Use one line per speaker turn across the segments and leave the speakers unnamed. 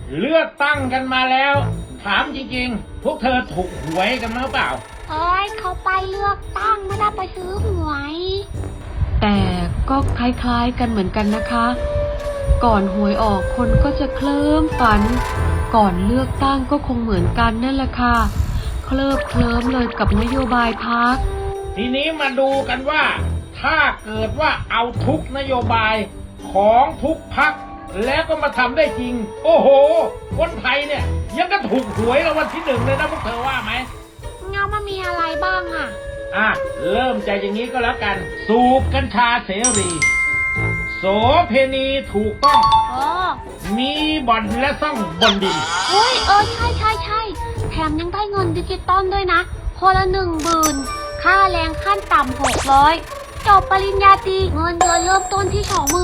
เลือกตั้งกันมาแล้วถามจริงๆพวกเธอถูกหวยกันมั้งเปล่า
เอ้ยเขาไปเลือกตั้งไม่ได้ไปซื้อหวย
แต่ก็คล้ายๆกันเหมือนกันนะคะ ก่อนหวยออกคนก็จะเคลิ้มฝัน ก่อนเลือกตั้งก็คงเหมือนกันนั่นแหละค่ะเคลิบเคลิ้มเลยกับนโยบายพรรค
ทีนี้มาดูกันว่าถ้าเกิดว่าเอาทุกนโยบายของทุกพรรคแล้วก็มาทำได้จริงโอ้โหคนไทยเนี่ยยังก็ถูกหวยรางวัลที่ 1เลยนะพวกเธอว่าไหม
เงามันมีอะไรบ้างอ่ะ
เริ่มจากอย่างนี้ก็แล้วกันสูบกัญชาเสรีโสเพณีถูกต้องมีบ่อนและซ่องบนดิน
เฮ้ยใช่แถมยังได้เงินดิจิตอลด้วยนะคนละ10,000ค่าแรงขั้นต่ำ600จบปริญญาตรีเงินเดือนเริ่มต้นที่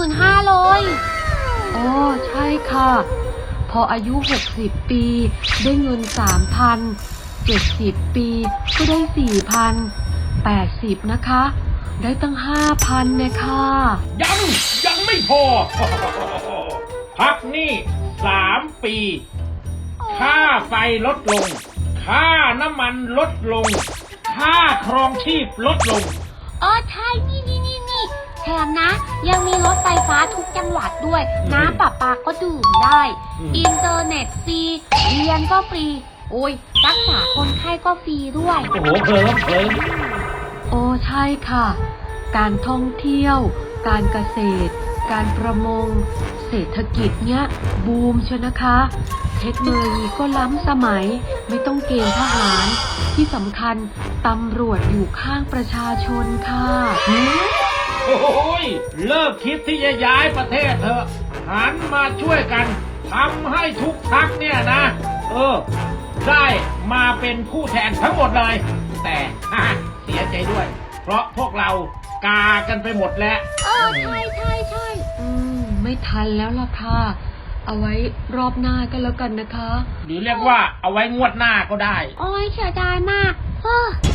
25,000
ใช่ค่ะพออายุ60ปีได้เงิน 3,000 70ปีก็ได้ 4,000 80นะคะได้ตั้ง 5,000เนี่ยค่ะ
ยังไม่พอ พักนี่3ปีค่าไฟลดลงค่าน้ำมันลดลงค่าครองชีพลดลง
ใช่นี่แถมนะยังมีรถไฟฟ้าทุกจังหวัดด้วยน้ำประปาก็ดื่มได้อินเทอร์เน็ตฟรีเรียนก็ฟรีรักษาคนไข้ก็ฟรีด้วย
โอ้โหเพลิน
ใช่ค่ะการท่องเที่ยวการเกษตรการประมงเศรษฐกิจเนี้ยบูมเชียวนะคะเทคโนโลยีก็ล้ำสมัยไม่ต้องเกณฑ์ทหารที่สำคัญตำรวจอยู่ข้างประชาชนค่ะ
โอ้ยเลิกคิดที่จะย้ายประเทศเถอะหันมาช่วยกันทำให้ทุกพรรคเนี่ยนะได้มาเป็นผู้แทนทั้งหมดเลยแต่เสียใจด้วยเพราะพวกเรากากันไปหมดแล้ว
ใช่
ไม่ทันแล้วล่ะค่ะเอาไว้รอบหน้าก็แล้วกันนะคะ
หรือเรียกว่าเอาไว้งวดหน้าก็ได้
เสียดายมาก